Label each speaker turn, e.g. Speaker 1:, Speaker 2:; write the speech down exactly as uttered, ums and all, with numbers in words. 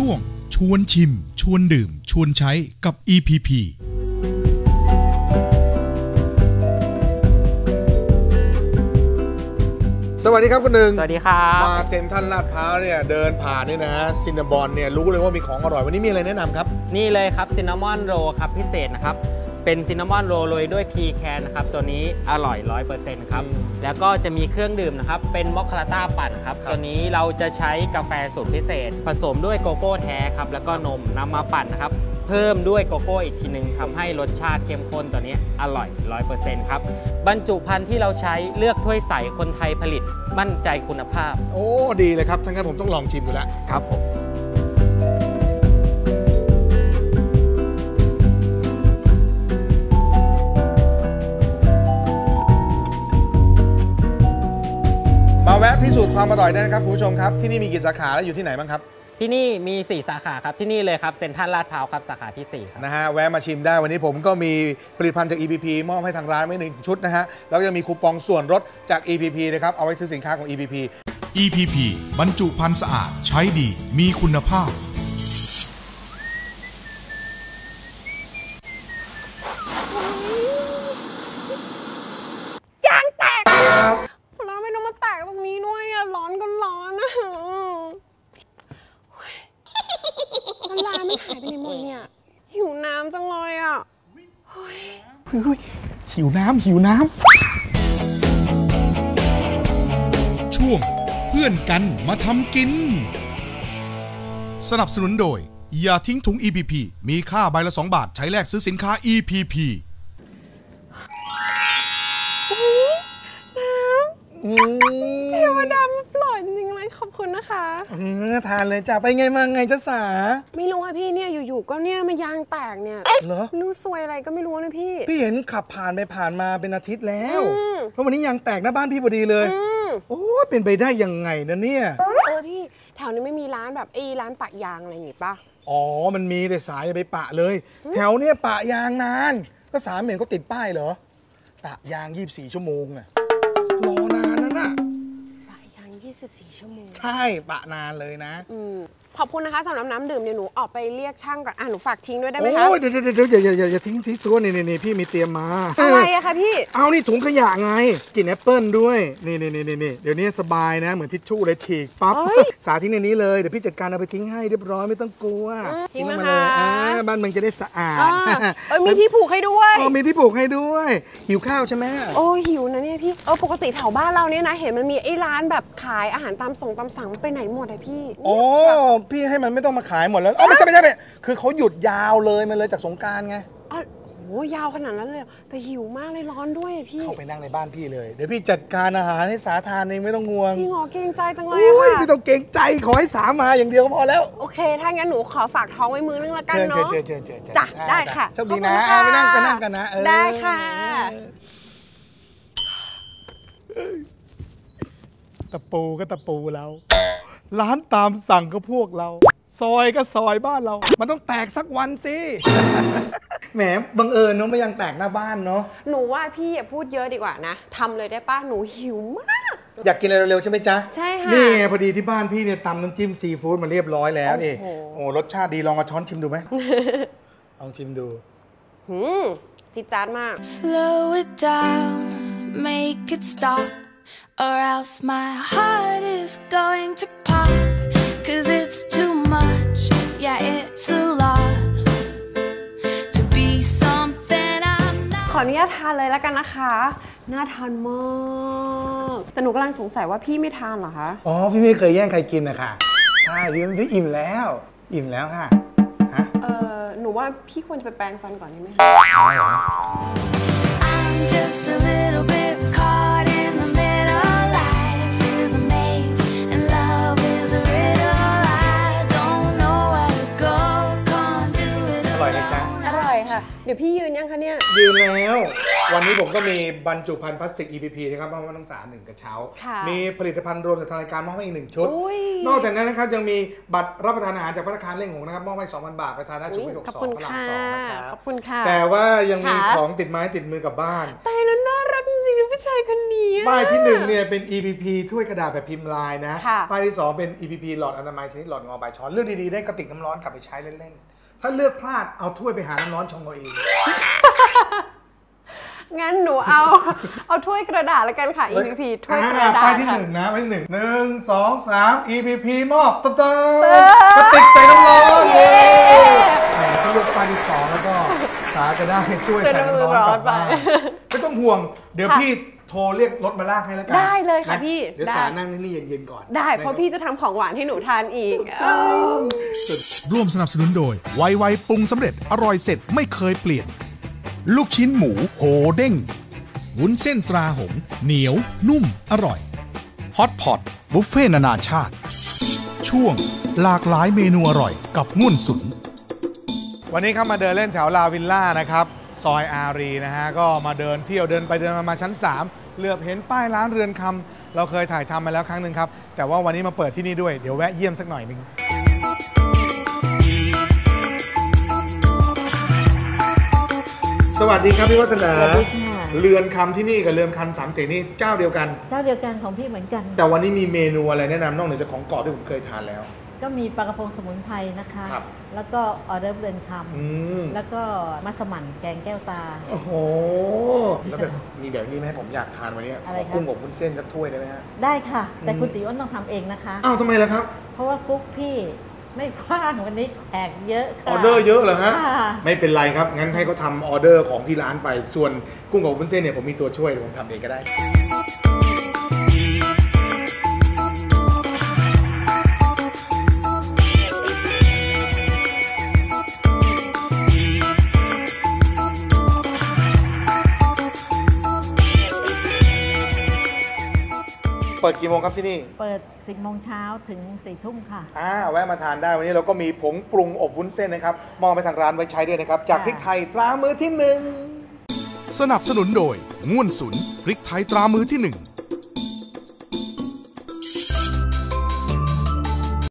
Speaker 1: วงชวนชิมชวนดื่มชวนใช้กับ อี พี พี
Speaker 2: สวัสดีครับคุณหนึ่ง
Speaker 3: สวัสดีครับ
Speaker 2: มาเซ็นทรัลลาดพร้าวเนี่ยเดินผ่านนี่นะฮะซินนามอนเนี่ยรู้เลยว่ามีของอร่อยวันนี้มีอะไรแนะนำครับ
Speaker 3: นี่เลยครับซินนามอนโรครับพิเศษนะครับเป็นซินนามอนโรโรยด้วยพีแคนนะครับตัวนี้อร่อย ร้อยเปอร์เซ็นต์ ครับแล้วก็จะมีเครื่องดื่มนะครับเป็นมอคคาต้าปั่นครับตัวนี้เราจะใช้กาแฟสูตรพิเศษผสมด้วยโกโก้แท้ครับแล้วก็นมนำมาปั่นนะครับเพิ่มด้วยโกโก้อีกทีนึงทำให้รสชาติเข้มข้นตัวนี้อร่อย ร้อยเปอร์เซ็นต์ ครับบรรจุภัณฑ์ที่เราใช้เลือกถ้วยใสคนไทยผลิตมั่นใจคุณภาพ
Speaker 2: โอ้ดีเลยครับทั้งนั้นผมต้องลองชิมดูแล้ว
Speaker 3: ครับผม
Speaker 2: มาแวะพิสูจน์ความอร่อยได้นะครับคุณผู้ชมครับที่นี่มีกี่สาขาและอยู่ที่ไหนบ้างครับ
Speaker 3: ที่นี่มีสี่สาขาครับที่นี่เลยครับเซ็นทรัลลาดพร้าวครับสาขาที่สี่ครับ
Speaker 2: นะฮะแวะมาชิมได้วันนี้ผมก็มีผลิตภัณฑ์จาก อี พี พี มอบให้ทางร้านไว้หนึ่งชุดนะฮะแล้วยังมีคูปองส่วนลดจาก อี พี พี นะครับเอาไว้ซื้อสินค้าของ อี พี พี
Speaker 1: อี พี พี บรรจุภัณฑ์สะอาดใช้ดีมีคุณภาพ
Speaker 4: ยางแตกแล้วไม่ต้องมาแตกตรงนี้ด้วยอะร้อนก็ร้อนอะน้ำลายมันหายไปไหนหมดเนี่ยหิวน้ำจังเลยอ่ะ
Speaker 2: หิวน้ำหิวน้
Speaker 1: ำช่วงเพื่อนกันมาทำกินสนับสนุนโดยอย่าทิ้งถุง อี พี พี มีค่าใบละสองบาทใช้แลกซื้อสินค้า อี พี พี
Speaker 4: เทวดามาปล่อยจริงๆเลยขอบคุณนะคะ
Speaker 2: เออทานเลยจ้ะไปไงมาไงจ๊ะสา
Speaker 4: ไม่รู้ค่ะพี่เนี่ยอยู่ๆก็เนี่ยมายางแตกเนี่ย
Speaker 2: เหรอ
Speaker 4: รู้ซวยอะไรก็ไม่รู้นะพี่
Speaker 2: พี่เห็นขับผ่านไปผ่านมาเป็นอาทิตย์แล้วเพราะวันนี้ยางแตกหน้าบ้านพี่พอดีเลยโอ้เป็นไปได้ยังไงนะเนี่ย
Speaker 4: เออพี่แถวนี้ไม่มีร้านแบบไอ้ร้านปะยางอะไรอย่างงี้ป่ะ
Speaker 2: อ๋อมันมีแต่สายอย่าไปปะเลยแถวเนี้ยปะยางนานก็สามเหม็นก็ติดป้ายเหรอปะยางยี่สิบสี่ชั่วโมงอะรอนานนั่นน่ะ
Speaker 4: ปะยางยี่สิบสี่ชั่วโมง
Speaker 2: ใช่ปะนานเลยนะ
Speaker 4: อืมขอบคุณนะคะสำหรับน้ำดื่มเดี๋ยวหนูออกไปเรียกช่างก่อนอ่ะหนูฝากทิ้งด้วยได้ไหมคะ
Speaker 2: โอ้ยเดี๋ยวเดี๋ยวอย่าอย่าอย่าทิ้งซีซัวนี่นี่พี่มีเตรียมมา
Speaker 4: อะไรอะคะพี่
Speaker 2: เอานี่ถุงขยะไงกินแอปเปิ้ลด้วยนี่นี่นี่นี่เดี๋ยวนี้สบายนะเหมือนทิชชู่เลยฉีกปั๊บสาทิ้งในนี้เลยเดี๋ยวพี่จัดการเอาไปทิ้งให้เรียบร้อยไม่ต้องกลัว
Speaker 4: ทิ้งมาเลย
Speaker 2: บ้านมึงจะได้สะอาด
Speaker 4: เออมีที่ผูกให้ด้วย
Speaker 2: อ๋อมีที่ผูกให้ด้วยหิวข้าวใช่ไหม
Speaker 4: โอ้หิวนะเนี่ยพี่เออปกติแถวบ้านเราเนี่ยนะเห็นมันมีไอ้ร้านแบบขายอาหารตามส่งตามสั่งไปไหนหมดอะพี่
Speaker 2: โอ้พี่ให้มันไม่ต้องมาขายหมดแล้วอ๋อไม่ใช่ไม่ใช่คือเขาหยุดยาวเลยมันเลยจากสงกรานต์ไง
Speaker 4: อ๋อโหยาวขนาดนั้นเลยแต่หิวมากเลยร้อนด้วยพี่
Speaker 2: เข้าไปนั่งในบ้านพี่เลยเดี๋ยวพี่จัดการอาหารให้สาทานเองไม่ต้องห่วง
Speaker 4: จริงเหรอเกรงใจจังเลยค่ะ
Speaker 2: ไม่ต้องเกรงใจขอให้สามาอย่างเดียวก็พอแล้ว
Speaker 4: โอเคถ้างั้นหนูขอฝากท้องไว้มือนึงละกันเนาะ
Speaker 2: เชิญเชิญเชิญ
Speaker 4: จ้ะได้ค่ะ
Speaker 2: โชคดีนะไปนั่งไปนั่งกันนะ
Speaker 4: ได้ค่ะ
Speaker 2: ตะปูก็ตะปูเราร้านตามสั่งก็พวกเราซอยก็ซอยบ้านเรามันต้องแตกสักวันสิแหมบังเอิญเนาะไม่ยังแตกหน้าบ้านเนาะ
Speaker 4: หนูว่าพี่อย่าพูดเยอะดีกว่านะทำเลยได้ป่ะหนูหิวมาก
Speaker 2: อยากกินอะไรเร็วๆใช่ไหมจ๊ะ
Speaker 4: ใช่ค่ะ
Speaker 2: นี่พอดีที่บ้านพี่เนี่ยตำน้ำจิ้มซีฟู้ดมาเรียบร้อยแล้วนี่โอ้รสชาติดีลองเอาช้อนชิมดูไหมลองชิมดู
Speaker 4: หืมจิ๊ดจ๊าดมาก
Speaker 5: Slow it down make it stop or else my heart is going to pop cause it's too much yeah it's a lot to be something I'm not
Speaker 4: ขออนุญาตทานเลยแล้วกันนะคะน่าทานมากแต่หนูกำลังสงสัยว่าพี่ไม่ทานเหรอคะ
Speaker 2: อ๋อพี่ไม่เคยแย่งใครกินนะคะใช่พี่พี่อิ่มแล้วอิ่มแล้วค่ะฮะ
Speaker 4: เออหนูว่าพี่ควรจะไปแปรงฟันก่อนได้ไหมคะ
Speaker 5: I'm just a little bit caught in the middle life is a maze and love is a riddle I don't know where to go can't do it
Speaker 2: อร่อยไหมจ๊ะ
Speaker 4: อร่อยค่ะเดี๋ยวพี่ยืนยังคะเนี่ย
Speaker 2: ยืนแล้ววันนี้ผมก็มีบรรจุภัณฑ์พลาสติก อี พี พี นะครับมอบให้นักศึกษาหนึ่งกระเช้ามีผลิตภัณฑ์รวมจากทางรายการมอบให้อีกหนึ่งชุดนอกจากนั้นนะครับยังมีบัตรรับประทานอาหารจากภัตตาคารเล่งหงนะครับมอบให้ สองพัน บาทไปทานได้สุขุมวิทหกสิบสองพระรามสองนะครับ
Speaker 4: ขอบคุณค่ะ
Speaker 2: แต่ว่ายังมีของติดไม้ติดมือกลับบ้าน
Speaker 4: ตายแล้วน่ารักจริงๆนะผู้ชายคนนี้
Speaker 2: ป้ายที่หนึ่งเนี่ยเป็น อี พี พี ถ้วยกระดาษแบบพิมพ์ลายนะป้ายที่สองเป็น อี พี พี หลอดอนามัยชนิดหลอดงอใบช้อนเลือกดีๆได้กระติกน้ำร้อนกลับไปใช้เล่นๆถ้าเลือกพลาดเอาถ้วยไปหาน้ำร้อนชงเอาเอง
Speaker 4: งั้นหนูเอาเอาถ้วยกระดาษแล้วกันค่ะ อี พี พี ถ้วยกระดาษ
Speaker 2: ป้ายที่หนึ่งนะป้ายที่หนึ่งหนึ่งสองสาม อี พี พี มอบตุ๊บตุ๊บกระติกใส่น้ำร้อนแหมที่เลือกป้ายที่สองแล้วก็สาจะได้ถ้วยใส่น้ำร้อนกลับบ้านไม่ต้องห่วงเดี๋ยวพี่โทรเรียกรถมาลากให้แล้วกัน
Speaker 4: ได้เลยค่ะพี่
Speaker 2: เดี๋ยวสานั่งนี่เย็นๆก่อน
Speaker 4: ได้เพราะพี่จะทำของหวานให้หนูทานอีก
Speaker 1: ร่วมสนับสนุนโดยไวไวปรุงสำเร็จอร่อยเสร็จไม่เคยเปลี่ยนลูกชิ้นหมูโหเด้งวุ้นเส้นตราหงเหนียวนุ่มอร่อยฮอตพอตบุฟเฟ่นานาชาติช่วงหลากหลายเมนูอร่อยกับง่วนสุน
Speaker 2: วันนี้เข้ามาเดินเล่นแถวลาวิลล่านะครับซอยอารีนะฮะก็มาเดินเที่ยวเดินไปเดินมามาชั้นสามเหลือบเห็นป้ายร้านเรือนคำเราเคยถ่ายทำมาแล้วครั้งหนึ่งครับแต่ว่าวันนี้มาเปิดที่นี่ด้วยเดี๋ยวแวะเยี่ยมสักหน่อยนึงสวัสดีครับพี่วัฒนาเรือนคำที่นี่กับเรือนคำสามเสนนี่เจ้าเดียวกัน
Speaker 6: เจ้าเดียวกันของพี่เหมือนกัน
Speaker 2: แต่วันนี้มีเมนูอะไรแนะนำนอกเหนือจากของกรอบที่ผมเคยทานแล้ว
Speaker 6: ก็มีปลากระพงสมุนไพรนะคะแล้วก็ออเดอร์เรือนคำแล้วก็มัสมั่นแกงแก้วตา
Speaker 2: โอ้โหแล้วแบบมีแบบนี้ไหมผมอยากทานวันนี้ขอกุ้งอบวุ้นเส้นสักถ้วยได้ไหมฮะ
Speaker 6: ได้ค่ะแต่คุณติ๋วต้องทำเองนะคะ
Speaker 2: อ้าวทำไมล่ะครับ
Speaker 6: เพราะว่ากุ๊กพี่ไม่ว่างวันนี้แขกเยอะ
Speaker 2: ออเดอร์เยอะเหรอฮะไม่เป็นไรครับงั้นให้เขาทำออเดอร์ของที่ร้านไปส่วนกุ้งอบวุ้นเส้นเนี่ยผมมีตัวช่วยผมทำเองก็ได้เปิดกี่โมงครับที่นี่
Speaker 6: เปิดสิบโมงเช้าถึงสี่ทุ่มค่ะ
Speaker 2: อ่าแวะมาทานได้วันนี้เราก็มีผงปรุงอบวุ้นเส้นนะครับมองไปทางร้านไว้ใช้ด้วยนะครับจากพริกไทยตรามือที่หนึ่ง
Speaker 1: สนับสนุนโดยง่วนสุนพริกไทยตรามือที่หนึ่ง